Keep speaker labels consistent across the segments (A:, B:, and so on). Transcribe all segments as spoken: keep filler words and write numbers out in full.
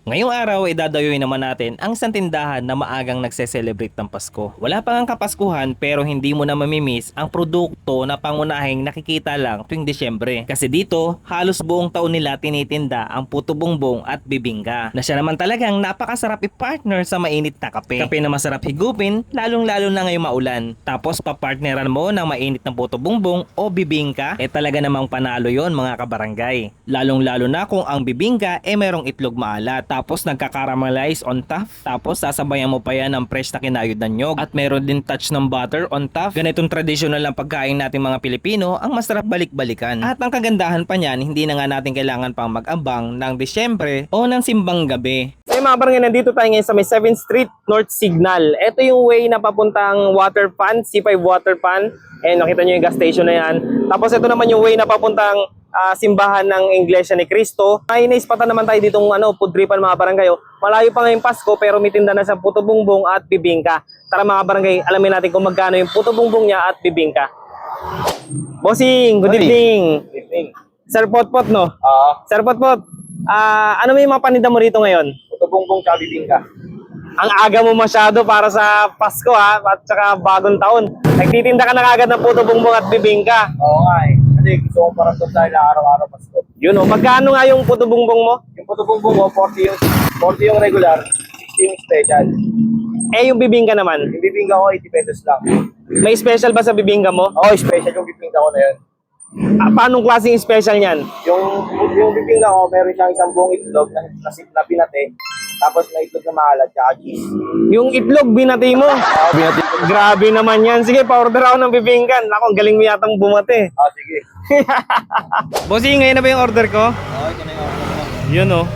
A: Ngayong araw ay dadayuin naman natin ang isang tindahan na maagang nagse-celebrate ng Pasko. Wala pa ngang Kapaskuhan pero hindi mo na mamimiss ang produkto na pangunahing nakikita lang tuwing Disyembre. Kasi dito, halos buong taon nila tinitinda ang puto bongbong at bibingka. Na siya naman talagang napakasarap i-partner sa mainit na kape. Kape na masarap higupin, lalong-lalo na ngayong maulan. Tapos papartneran mo ng mainit na puto bongbong o bibingka, eh talaga namang panalo yon mga kabarangay. Lalong-lalo na kung ang bibingka eh merong itlog maalat. Tapos nagka-caramelize on top. Tapos sasabayan mo pa yan ng fresh na kinayod na nyog. At meron din touch ng butter on top. Ganitong traditional lang pagkain natin mga Pilipino, ang masarap balik-balikan. At ang kagandahan pa niyan, hindi na nga natin kailangan pang mag-abang ng Disyembre o ng simbang gabi. So mga barangay, nandito tayo ngayon sa may seventh Street North Signal. Ito yung way na papuntang water pan, C five water pan. Eh nakita nyo yung gas station na yan. Tapos ito naman yung way na papuntang Uh, simbahan ng Iglesia ni Cristo. Ay naispatan naman tayo ditong ano, pudripan mga barangay. Malayo pa ngayong Pasko pero may tinda na sa puto bongbong at bibingka. Tara mga barangay, alamin natin kung magkano yung puto bongbong niya at bibingka. Bossing, good evening.
B: Good evening.
A: Sir Potpot, no?
B: Oo.
A: Sir Potpot, uh, ano may mga paninda mo rito ngayon?
B: Puto bongbong tsaka bibingka.
A: Ang aga mo masyado para sa Pasko ha, at saka bagong taon. Nagtitinda ka na kagad ng puto bongbong at bibingka.
B: Oo nga eh. Kasi gusto ko parang doon tayo na araw-araw Pasko.
A: Yun o, magkano nga yung puto bongbong mo?
B: Yung puto bongbong mo, forty yung, forty yung regular, sixty yung special.
A: Eh yung bibingka naman?
B: Yung bibingka ko, eighty pesos lang.
A: May special ba sa bibingka mo?
B: Oo, oh, special yung bibingka ko na yun.
A: Ah, paanong klaseng special niyan?
B: Yung, yung bibingka ko, meron siyang isang buong itlog na, na, na pinate. Tapos may itlog na maalat, tsaka cheese.
A: Yung itlog, binati mo.
B: Oo, binati ko.
A: Grabe naman yan. Sige, pa-order ako ng bibingka. Ako, ang galing mo yatang bumati.
B: Ah, sige.
A: Bossing, ngayon na ba yung order ko?
B: Oo, ito na yung order mo.
A: Yun o.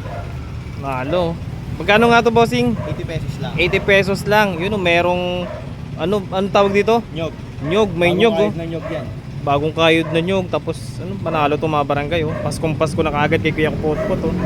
A: Nalo. Magkano nga to, bossing?
B: eighty pesos lang.
A: eighty pesos lang. Yun o, merong... Ano, ano tawag dito?
B: Nyog.
A: Nyog, may nyog o.
B: na nyog yan.
A: Bagong kayod na nyog. Tapos, ano, panalo to mga barangay o. Paskong Pasko na kaagad kay Kuya Potpot o.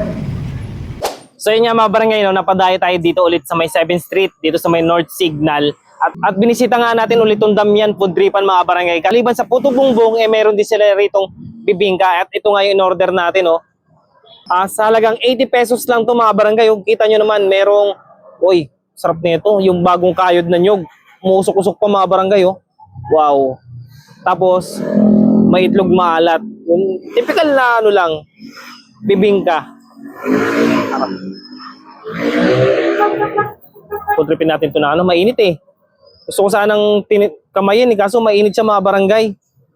A: So yun nga mga barangay, no, napadayo tayo dito ulit sa may seventh Street, dito sa may North Signal. At, at binisita nga natin ulit yung Damian Pudripan mga barangay. Kaliban sa puto bongbong, eh meron din sila ritong bibingka. At ito nga yung in-order natin. Oh. Uh, sa halagang eighty pesos lang to mga barangay. Yung kita nyo naman, merong, uy, sarap nito. Yung bagong kayod na nyog. Musok-usok pa mga barangay. Oh. Wow. Tapos, may itlog maalat. Yung typical na ano lang, bibingka. Putripin natin ito na ano, mainit eh. Gusto ko sanang kamayin eh, kaso mainit siya mga barangay.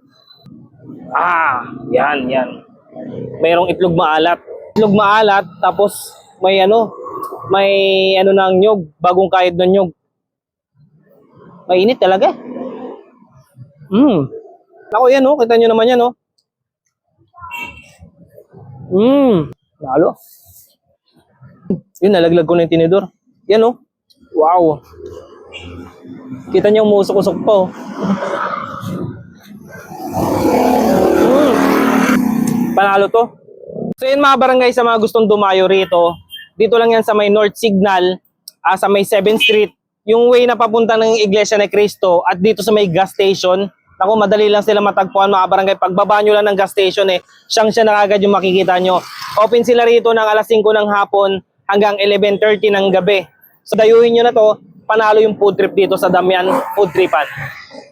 A: Ah, yan, yan. Mayroong itlog maalat. Itlog maalat, tapos may ano, may ano ng nyog, bagong kayod ng nyog. Mainit talaga eh. Hmm. Ako yan oh, kita nyo naman yan oh. Hmm. Lalo. Yun, nalaglag ko na yung tinidor. Yan oh. Wow. Kita niyo umusok-usok pa oh. Mm. Panalo to. So yun mga barangay, sa mga gustong dumayo rito, dito lang yan sa may North Signal, uh, sa may seventh Street, yung way na papunta ng Iglesia ni Cristo, at dito sa may gas station. Ako, madali lang sila matagpuan mga barangay. Pagbaba nyo lang ng gas station eh, siyang siya na agad yung makikita nyo. Open sila rito ng alas singko ng hapon hanggang eleven thirty ng gabi. So dayuhin nyo na to, panalo yung food trip dito sa Damian Pudripan.